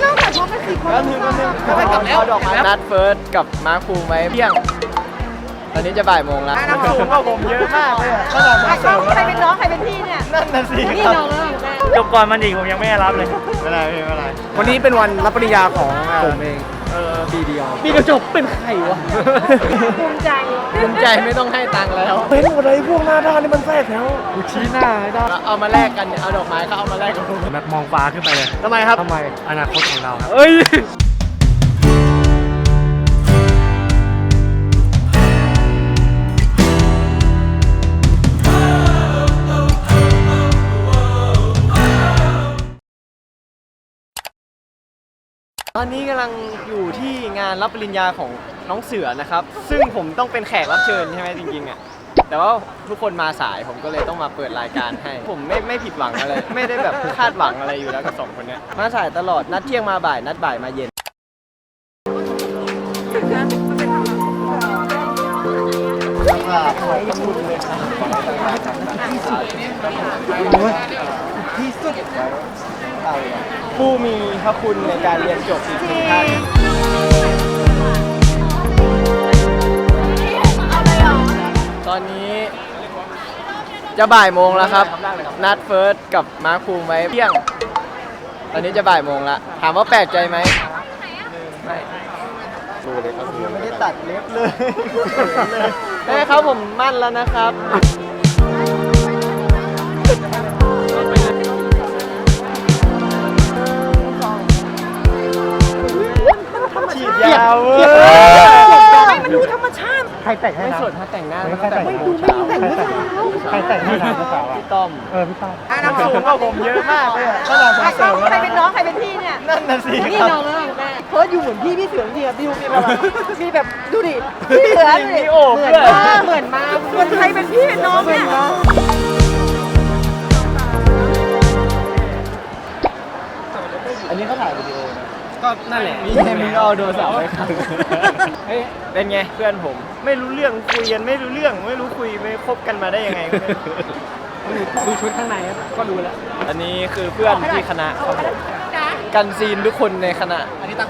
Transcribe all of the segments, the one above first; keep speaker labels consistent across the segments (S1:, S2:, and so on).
S1: ต้องแต่พร้อมกัน4 คน
S2: ก็แล้วดอกไม้นัดเฟิร์สกับมาร์คภูมิไว้เที่ยงตอนนี้จะบ่ายโมงแล้วน้ำสูงกว่าผมเยอะมากเลยขนาดผมเสริม
S1: ใครเป็นน้องใครเป็นพี่เนี่ย
S2: นั่นน่ะสิ
S1: นี่น้อง
S3: จบก่อนมันอีกผมยังไม่ได้รับเลย
S2: ไม่เป็นไรไม่เป็นไร
S4: วันนี้เป็นวันรับปริญญาของผมเองปีเดียวจบเป็นใครวะ
S1: ภูมิใจ
S2: ไม่ต้องให้ตังค์แล้ว
S4: เป็นอะไรพวกหน้าด้านนี่มันแทรกแถวกูชี้หน้าได้
S2: เอามาแลกกันเอาดอกไม้ก็เอามาแลกกัน
S3: แบบมองฟ้าขึ้นไปเลย
S2: ทำไมครับ
S3: อนาคตของเราครับ
S2: ตอนนี้กำลังอยู่ที่งานรับปริญญาของน้องเสือนะครับซึ่งผมต้องเป็นแขกรับเชิญใช่ไหมจริงๆอ่ะแต่ว่าทุกคนมาสายผมก็เลยต้องมาเปิดรายการให้ผมไม่ผิดหวังอะไรไม่ได้แบบคาดหวังอะไรอยู่แล้วกับ2 คนนี้มาสายตลอดนัดเที่ยงมาบ่ายนัดบ่ายมาเย็นที่สุดผู้มีพระคุณในการเรียนจบอีกทุกท่านตอนนี้จะบ่ายโมงแล้วครับนัดเฟิร์สกับมาร์คภูมิไว้เที่ยงตอนนี้จะบ่ายโมงแล้วถามว่าแปลกใจไหมไม่ไม่ได้ตัดเล็บเลยแม่ครับผมมั่นแล้วนะครับฉีดยาว
S1: ให้มันดูธรรมชาติ
S4: ใครแต่งให้
S2: ไม่
S4: นะ
S2: สดถ้าแต่งหน้า
S1: ไม่ดูไม่ดูแต่งเมื่อเช้า
S4: ใครแต่งให้นะพี่
S2: ต้อม
S4: พี่ต้อม
S2: น้ำสูงกว่าผมเยอะมากเลยขนาดผมเสริม
S1: ใครเป็นน้องใครเป็นพี่เนี่ย
S2: นั่นน่ะสิ
S1: นี่น้องแม่เพิร์ดอยู่เหมือนพี่เสือจริงๆพี่ดูมีแบบดูดิพี่เสือเหมือนมาเหมือนใครเป็นพี่น้องเนี่ย
S2: อันนี้เขาถ่ายวิดีโอนะ
S3: ก็นั่นแหละ
S2: มีเอาโดนสาวไปครับเป็นไงเพื่อนผมไม่รู้เรื่องคุยกันไม่รู้เรื่องไม่รู้คุยไม่คบกันมาได้ยังไง
S3: ดูชุดข้างในก็ดูแล้ว
S2: อันนี้คือเพื่อนที่คณะครับผมกันซีนทุกคนในคณะอันนี้ตั้ง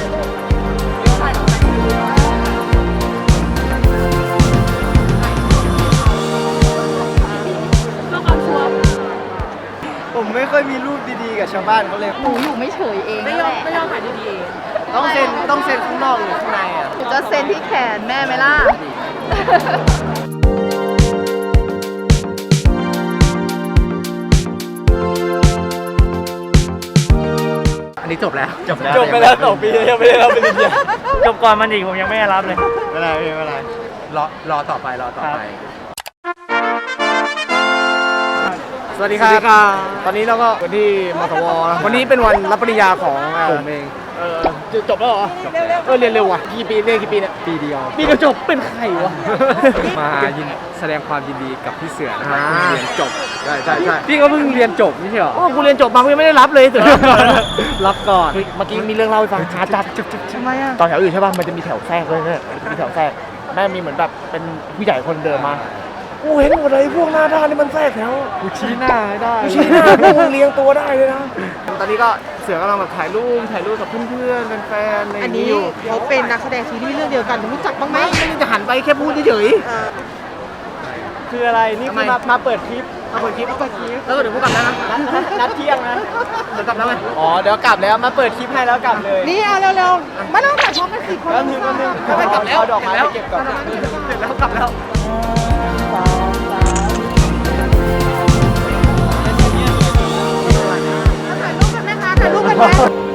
S2: ผมไม่ค่อยมีรูปดีๆกับชาวบ้านเขาเลย
S1: หนูอยู่ไม่เฉยเองไม่ยอมถ่ายดี
S2: ๆต้องเซ็นข้างนอกหรือข้างในอ่ะ
S1: จะเซ็นที่แขนแม่ไหมล่ะ
S4: อันนี้จบแล้ว
S2: ไปแล้ว2 ปียังไม่ได้รับปริญญา
S3: จบก่อนมันอีกผมยังไม่ได้รับเลย
S2: ไม่เป็นไร
S4: รอต่อไป
S2: สวัสดีครับตอนนี้เราก็วันที่มสว
S4: วันนี้เป็นวันรับปริญญาของผมเอง
S2: จบแล้วเหรอ
S4: เรียนเร็วว่ะกี่ปีเนี่ยปีเดียว
S2: จบเป็นใครวะ
S4: มาแสดงความยินดีกับพี่เสือนะครับเรียนจบใช่พี่ก็เพิ่งเรียนจบไม่ใช่เหรอ
S2: กูเรียนจบมากูยังไม่ได้รับเลยเสือ
S4: รับก่อนเมื่อกี้มีเรื่องเล่าให้ฟังช้าจัด
S1: ทำไมอ่ะ
S4: ตอนแถวอื่นใช่ป่ะมันจะมีแถวแทรกเลยเนี่ยมีแถวแทรกแม่มีเหมือนแบบเป็นผู้ใหญ่คนเดิมมากูเห็นหมดเลยพวกหน้าด้านนี่มันแทรกแถวกูชี้หน้าได้พวกมึงเลี้ยงตัวได้เลยนะตอนนี้ก็เสือกำลังแบบถ่ายรูปกับเพื่อนๆแฟนๆ
S1: อันนี้เขาเป็นนักแสดงซีรีส์เรื่องเดียวกันรู้จักบ้างไหม
S4: ไม่จะหันไปแค่พูดเฉย
S2: คืออะไรนี่คือมาเปิดคลิป
S4: แล้วเดี๋ยวพูดกลับแล้วนะ
S2: นัดเที่ยงนะ
S4: เดี๋ยวกลับแล้วไหม
S2: เดี๋ยวกลับแล้วมาเปิดคลิปให้แล้วกลับเลย
S1: นี่เอาเร็วๆมาต้องแต่พร้อมกัน4 คน
S2: แล้วไม่กลับแล้วดอกไม้ไปเก็บก่อน
S4: เสร็จแล้วกลับแล้ว
S1: ถ่ายรูปกันไหม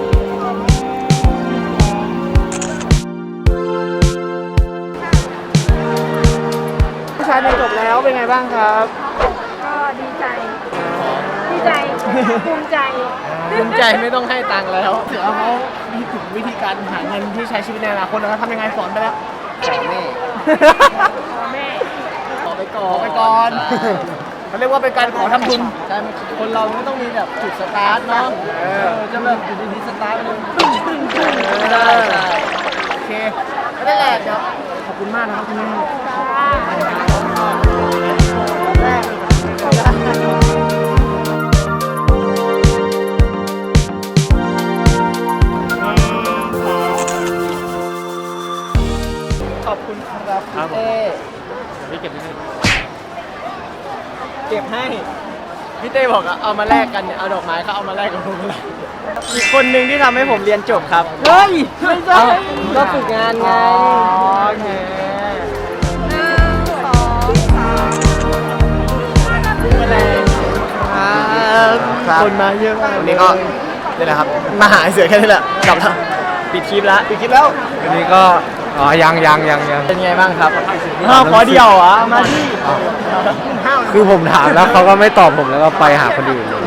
S2: ผู้ชายจบแล้วเป็นไงบ้างครับ
S1: ก็ดีใจภูมิใจ
S2: ไม่ต้องให้ตังค์แล้ว
S4: เสือเขามีถึงวิธีการหาเงินที่ใช้ชีวิตในอนาคตแล้วทำยังไงสอนไปแล้ว
S1: ขอแม่
S2: ขอไปก่อน
S4: เขาเรียกว่าเป็นการขอทำทุน
S2: ใช่คนเราไม่ต้องมีแบบจุดสตาร์ทเนาะจะแบบอยู่ดีๆสตาร์ทเลยตึ้งได้
S4: โอเคไม่ได้แหละเดี๋ยวขอบคุณมากนะครับคุณแม่
S3: ครับผม
S2: เต้
S3: พี่เก็บนิดนึง
S2: เก็บให้พี่เต้บอกเอามาแลกกันเนี่ยเอาดอกไม้เขาเอามาแลกกับผมเลยอีกคนหนึ่งที่ทำให้ผมเรียนจบครับเฮ้ยไม่ใช่ก็ฝึกงานไงโอเคคนมาเยอะมากวันนี้ก็นี่แหละครับมาหาเสือแค่นี้แหละกลับแล้วปิดคลิปแล้ว
S3: วันนี้ก็ยัง
S2: เป็นไงบ้างครับขอเดียวอ่ะมาที่
S3: คือผมถามแล้วเขาก็ไม่ตอบผมแล้วก็ไปหาคนอื่นเลย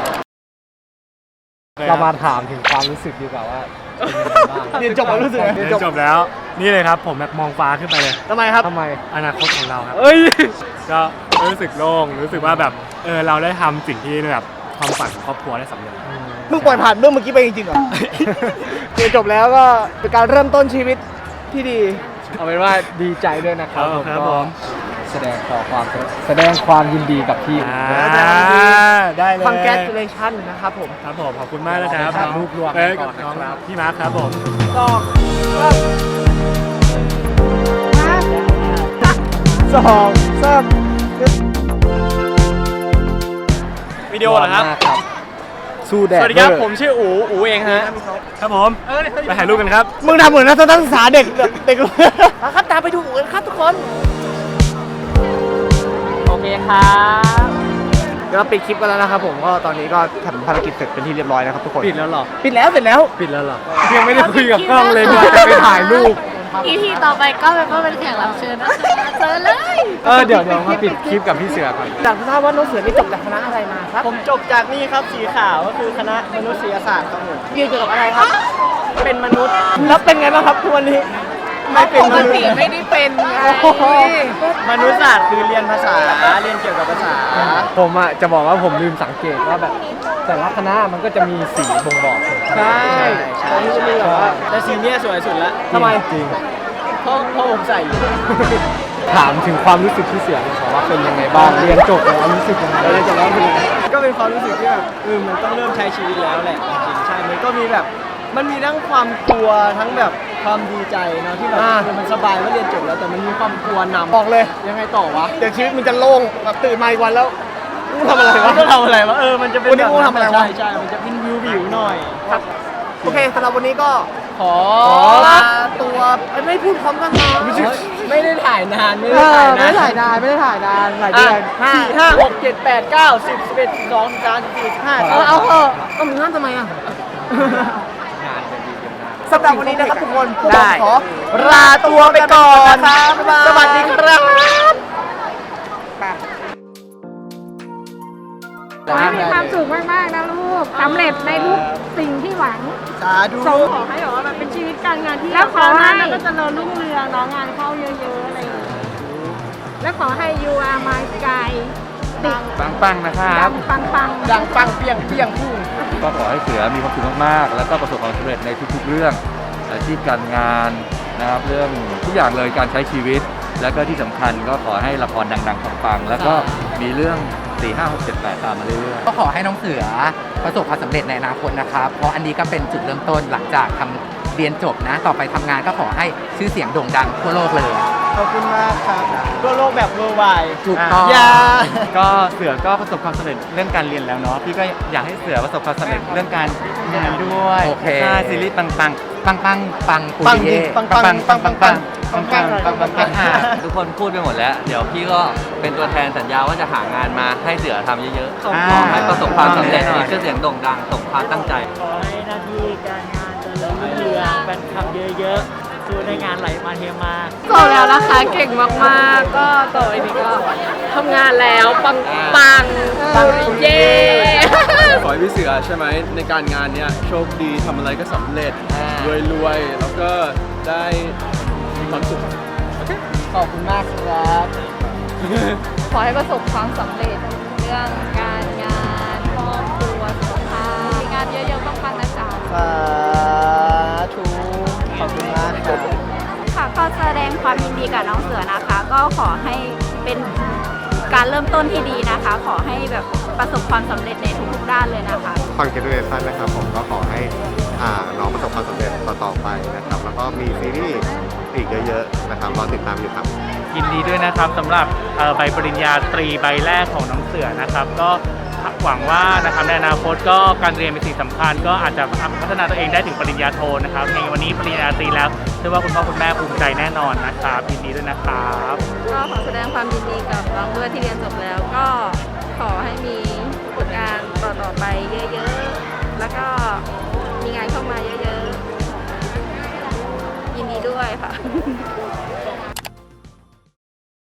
S3: เรามาถามถึงความรู้สึกดีกว่าว่า
S2: เรียนจบแล้วรู้สึกไง
S5: เรียนจบแล้วนี่เลยครับผมแบบมองฟ้าขึ้นไปเลย
S2: ทำไมครับ
S3: ทำไม
S5: อนาคตของเราครับ
S3: เอ้ย
S5: ก็รู้สึกโล่งรู้สึกว่าแบบเราได้ทำสิ่งที่แบบความฝันของครอบครัวได้สำเร็จ
S2: เพิ่งปล่อยผ่านเรื่องเมื่อกี้ไปจริงๆเหรอ เรียนจบแล้วก็เป็นการเริ่มต้นชีวิตที่ดี
S3: เอาเป็นว่าดีใจด้วยนะครับ
S5: ครับผม
S3: แสดงความยินดีกับพี่
S5: ได้เลย
S2: congratulation นะครับผม
S5: ครับผมขอบคุณมากนะครับ
S3: ครับรูปรวม
S5: เอ้ย
S3: ก่อนนะ
S5: น้อง
S3: ครับ
S5: พี่มาร์คครับผม
S2: สองสาม
S5: วิดีโอเหรอครับ
S3: มากครับสู้แดด
S5: สวัสดีครับ
S3: เวอ
S5: ผมชื่ออูเองฮะครับผมไปถ่ายรูปกันครับ
S2: มึงทำเหมือนนักศึกษาเด็กครับตามไปดูกันครับทุกคน โอเคครับก็ปิดคลิปกันแล้วนะครับผมก็ตอนนี้ก็ทำภารกิจเสร็จเป็นที่เรียบร้อยนะครับทุกคน
S3: ปิดแล้วเหรอ
S2: ปิดแล้วเสร็จแล้ว
S3: ปิดแล้วเหรอยังไม่ได้คุยกับกล้องเลยว่าจะไปถ่ายรูป
S6: EP ต่อไปก็เป็นแขกรับเชิญนะคะเจอเลย
S3: เดี๋ยวมาปิดคลิปกับพี่เสือก่อน
S2: อยากทราบว่าน้องเสือนี่จบจากคณะอะไรมาครับ ผมจบจากนี่ครับสีขาวก็คือคณะมนุษยศาสตร์ครับผมเรียนเกี่ยวกับอะไรครับ เป็นมนุษย์ แล้วเป็นไงบ้างครับทุกวันนี้ ไม่เป็นมนุษย์
S6: ไม่ได้เป็นไง
S2: มนุษยศาสตร์คือเรียนภาษา เรียนเกี่ยวกับภาษา
S3: ผมอ่ะจะบอกว่าผมลืมสังเกตว่าแบบแต่ละคณะมันก็จะมีสีบ่งบอก
S2: ใช่ตอนนี้จะมีแบบว่าแต่สีเนี้ยสวยสุดละ
S3: ทำไมจริง
S2: เพราะผมใส่อยู่
S3: ถามถึงความรู้สึกที่เสือหน่อยครับว่าเป็นยังไงบ้างเรียนจบแล้วรู้สึกยังไง
S2: เรียนจบแล้วคือก็เป็นความรู้สึกที่แบบมันต้องเริ่มใช้ชีวิตแล้วแหละจริงๆใช่ มันก็มีแบบมันมีทั้งความกลัวทั้งแบบความดีใจเนาะที่แบบมันสบายว่าเรียนจบแล้วแต่มันมีความกลัวนำบอกเลยยังไงต่อวะเดี๋ยวชีวิตมันจะโล่งแบบตื่นมาอีกวันแล้วกูทำอะไรวะก็ทำอะไรวะมันจะเป็นวันนี้กูทำอะไรวะใช่มันจะเป็นวิวหน่อยครับโอเคสำหรับวันนี้ก็ขอลาตัวไม่พูดพร้อมกันนะไม่ได้ถ่ายนานไม่ได้ถ่ายนานหลายเดือน4 5 6 7 8 9 10 11 12 13 14 15เอาเถอะเอามึงนั่นทำไมอ่ะสำหรับวันนี้นะครับทุกคนพวกผมขอลาตัวไปก่อนครับสวัสดีครับ
S6: ขอให้มีความสุขมากๆนะลูกสำเร็จในทุกสิ่งที่หวัง
S2: สาธุ
S6: ขอให้แบบว่ามันเป็นชีวิตการงานที่แล้วขอให้แล้วก็เจริญรุ่งเรืองน้องงานเข้าเยอะๆอะไรอย่างเงี้ยแล้วขอให้ you are my sky
S3: ปังๆนะครับ
S6: ปัง
S2: ดังปังเปียงเปียงพุ่ง
S7: ก็ขอให้เสือมีความสุขมากๆ แล้วก็ประสบความสำเร็จในทุกๆเรื่องอาชีพการงานนะครับเรื่องทุกอย่างเลยการใช้ชีวิต แล้วก็ที่สำคัญก็ขอให้ละครดังๆปังๆแล้วก็มีเรื่อง4 5 6 7 8ตามมาเรื่อยๆ
S8: ก็ขอให้น้องเสือประสบความสำเร็จในอนาคตนะครับ เพราะอันนี้ก็เป็นจุดเริ่มต้นหลังจากเรียนจบนะ ต่อไปทำงานก็ขอให้ชื่อเสียงโด่งดังทั่วโลกเลย
S2: ขอบคุณมากครับทั่วโลกแบบ worldwide
S8: ถูกต้อง
S2: อย่า
S7: ก็เสือก็ประสบความสำเร็จเรื่องการเรียนแล้วเนาะพี่ก็อยากให้เสือประสบความสำเร็จเรื่องการงานด้วย
S8: โอเค
S7: ใช่ซีรีส์ปัง
S8: ปังปุ
S2: ปัง
S8: ริ
S2: จริ
S8: เย่
S2: งปังปังปังปังปังปังปังปังปังปัง
S7: ๆทุกคนพูดไปหมดแล้ว เดี๋ยวพี่ก็เป็นตัวแทนสัญญาว่าจะหางานมาให้เสือทำเยอะๆขอให้ประสบความสำเร็จมีชื่อเสียงโด่งดังสมความตั้งใจ
S9: ขอให้หน้าที่การงานเจริญรุ่งเรืองแฟนคลับเยอะๆสู้ในงานไหลมาเทมา
S6: ๆจบแล้วนะคะเก่งมากๆ ก็ต่อไปนี้ก็ทำงานแล้วปังเย้
S10: ขอให้พี่เสือใช่ไหมในการงานเนี้ยโชคดีทำอะไรก็สำเร็จรวยๆแล้วก็ได้มีความสุข
S2: ขอบคุณมากครับ
S6: ขอให้ประสบความสำเร็จเรื่องการงานครอบครัวสุขภาพมีงานเยอะๆปังๆนะจ๊ะ
S2: สาธุขอบคุณมากครับ
S11: ค่ะก็แสดงความยินดีกับน้องเสือนะคะ ก็ขอให้เป็นการเริ่มต้นที่ดีนะคะ ขอให้แบบประสบความสำเร็จในทุกๆด้านเลยนะคะ
S12: Congratulation นะครับผมก็ขอให้น้องประสบความสำเร็จต่อๆไปนะครับ แล้วก็มีซีรีส์อีกเยอะๆนะครับรอติดตามอยู่ครับ
S13: ยินดีด้วยนะครับสำหรับใบปริญญาตรีใบแรกของน้องเสือนะครับ ก็หวังว่านะครับในอนาคตก็การเรียนเป็นสิ่งสำคัญก็อาจจะพัฒนาตัวเองได้ถึงปริญญาโทนะครับในวันนี้ปริญญาตรีแล้วเชื่อว่าคุณพ่อคุณแม่ภูมิใจแน่นอนนะครับยินดีด้วยนะครับ
S11: ก็ขอแสดงความยินดีกับน้องด้วยที่เรียนจบแล้วก็ขอให้มีผลงานต่อไปเยอะๆแล้วก็มีงานเข้ามาเยอะๆยินดีด้วยค่ะ